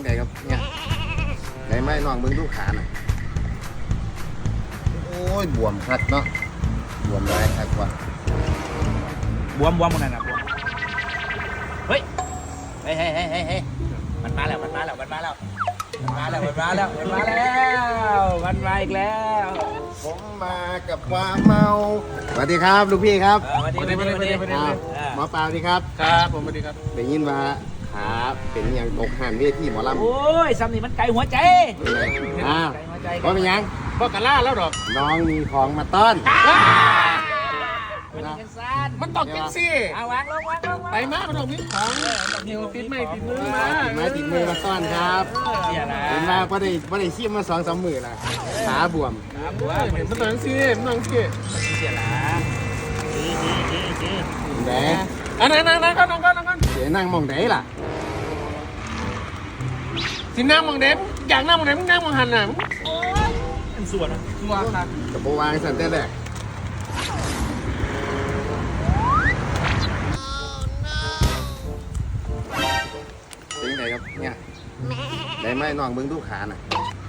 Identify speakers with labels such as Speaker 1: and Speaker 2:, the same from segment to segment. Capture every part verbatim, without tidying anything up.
Speaker 1: ไงครับเนี่ยไหนไม่น้องมึงดูขาหน่อยโอ้ยบวมคักเนาะบวมร้ายคักว่ะ
Speaker 2: บวมบวมหมดนั่นนะบวมเฮ้ยเฮ้ยเฮ้ยเฮ้ยเฮ้ยมันมาแล้วมันมาแล้วมันมาแล้วมันมาแล้วมันมาแล้วมันมาแล้วมันมาอีกแล้ว
Speaker 1: ผมมากับความเมาสวัสดีครับลูกพี่ครับ
Speaker 2: สวัสดีสวัสดีสวัสดีสวัสดี
Speaker 1: หมอปลาสวัสดีครับ
Speaker 3: ครับผมสวัสดีครับ
Speaker 1: ได้ยินว่าขาเป็นอย่างตกหันเวทีหมอลำ
Speaker 2: โอ้ยซ้ำนี่มันไกลหัวใจ
Speaker 1: อ้าว
Speaker 2: ไกลหัวใจ
Speaker 1: ว่าเป็นยัง
Speaker 3: บอกกันล่าแล้วดอก
Speaker 1: น้องมีของมาต้อน
Speaker 2: มันยังสั้น
Speaker 3: มันตอกจังสิ
Speaker 2: เอาวางลงวางลงวาง
Speaker 3: ไปมามันต้องมีของเดี๋ยวติดไม่ติดมือมา
Speaker 1: ติดไม้ติดมือมาต้อนครับ
Speaker 2: เสียละ
Speaker 1: เห็นว่าไ่ได้ไ่ได้ขี้มาสองสามหมื่นละขาบวม
Speaker 2: บวม
Speaker 3: เห็นมันต้องจังสิมันต้องสิ
Speaker 2: เสียละจีจีจีจี
Speaker 1: แหม
Speaker 3: อันนั้นนั่งนั่งก่อนนั่งก่อนนั่งก่อน
Speaker 1: เสียนั่งมองไหนล่ะ
Speaker 3: สินั่งมองเด็กอยากนั่งมองเด็กมึงนั่งมองหันน่ะ
Speaker 2: มันส่วนนะ
Speaker 3: ชัวร์ครับ
Speaker 1: กับโบวางสันแต่แรกเป็นไงครับเนี่ยได้ไหมน้องมึงดูขาหน่อย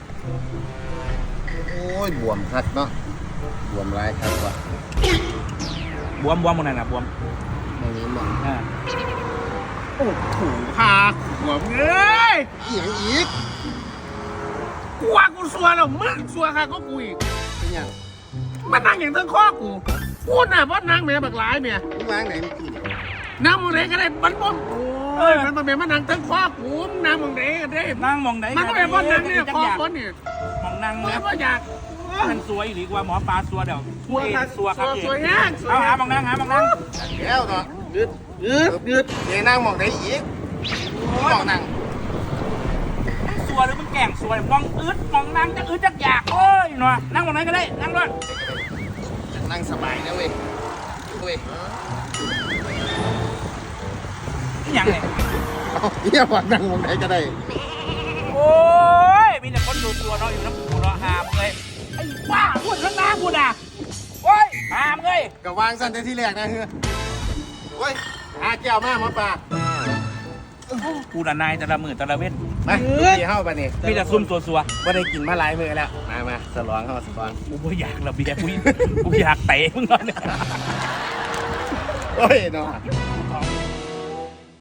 Speaker 1: โอ้ยบวมคักเนาะบวมร้ายคักว่ะ
Speaker 2: บวมบวมหมดนั่นนะบวม
Speaker 1: ตรงนี้มอง
Speaker 2: อ่า
Speaker 3: โอ้โหพาหัวมึงเอ้ย
Speaker 1: เอียงอีก
Speaker 3: กูว่ากูชัวร์แล้วมึงชัวร์ค่ะก็กูอีก
Speaker 1: เป็นยัง
Speaker 3: มันนั่งอย่างทั้งข้อกูพูดน่ะเพราะนั่งแม่บักหลายแม่
Speaker 1: มึงวางไหนเมื่อกี้เนี่ย
Speaker 3: นั่งมองเด็กก็ได้มันบ่โอ้ยมันเป็นมันนั่งทั้งข้อกูนั่งมองเด็กก็ได้
Speaker 2: นั่งมองไหน
Speaker 3: มันก็เป็นเพราะนั่งเนี่ยคอคนเนี่ย
Speaker 2: มองนั่ง
Speaker 3: มัน
Speaker 2: แล้ว
Speaker 3: ก็อยาก
Speaker 2: มันสวยหรือกว่าหมอปลาสัวเดี๋ยว
Speaker 3: ชัวร์ค่ะ
Speaker 2: สัวครับ
Speaker 3: สวยแห้งสวย
Speaker 2: เอา
Speaker 3: แห้
Speaker 2: หาง มองนั่งหามองนั่ง
Speaker 1: แล้วเนาะ
Speaker 3: ยืดยืดยืด
Speaker 1: เดี๋ยวนั่งมองไหนอีกมองนั่ง
Speaker 2: สัวหรือมันแก่งสัวมองอึดมองนั่งจะอึดจะอยากโอ้ยหน่อยนั่งมองไหนก็ได้นั่งด้วย
Speaker 1: นั่งสบายนะเว้ยเว้ย
Speaker 2: อย่างไร
Speaker 1: เอาเยี่ยบอกนั่งมองไหนก็ได้
Speaker 2: โอ้ยมีแต่คนดูตัวเนาะอยู่น้ำปูเนาะหามเลยไอ้บ้าพูดข้างหน้าพูดอ่ะโอ้ยหามเลย
Speaker 1: ก็วางสั้นแต่ที่แรกนะเฮ้ยเฮ้ยหาแก้วมาหมอปลา
Speaker 2: กูน่ะนายแต่ละมือแต่ละเว้น
Speaker 1: มาดีเข้าไปนี่
Speaker 2: มีแต่ซุ่มตัวสัว
Speaker 1: ไม่ได้กินมาหลายมื้อแล้วมามาสลองเข้าสลอง
Speaker 2: กูไม่อยากระเบียร์กูกูอยากเตะมึงเลย
Speaker 1: โอ้ยเนาะ
Speaker 2: ของ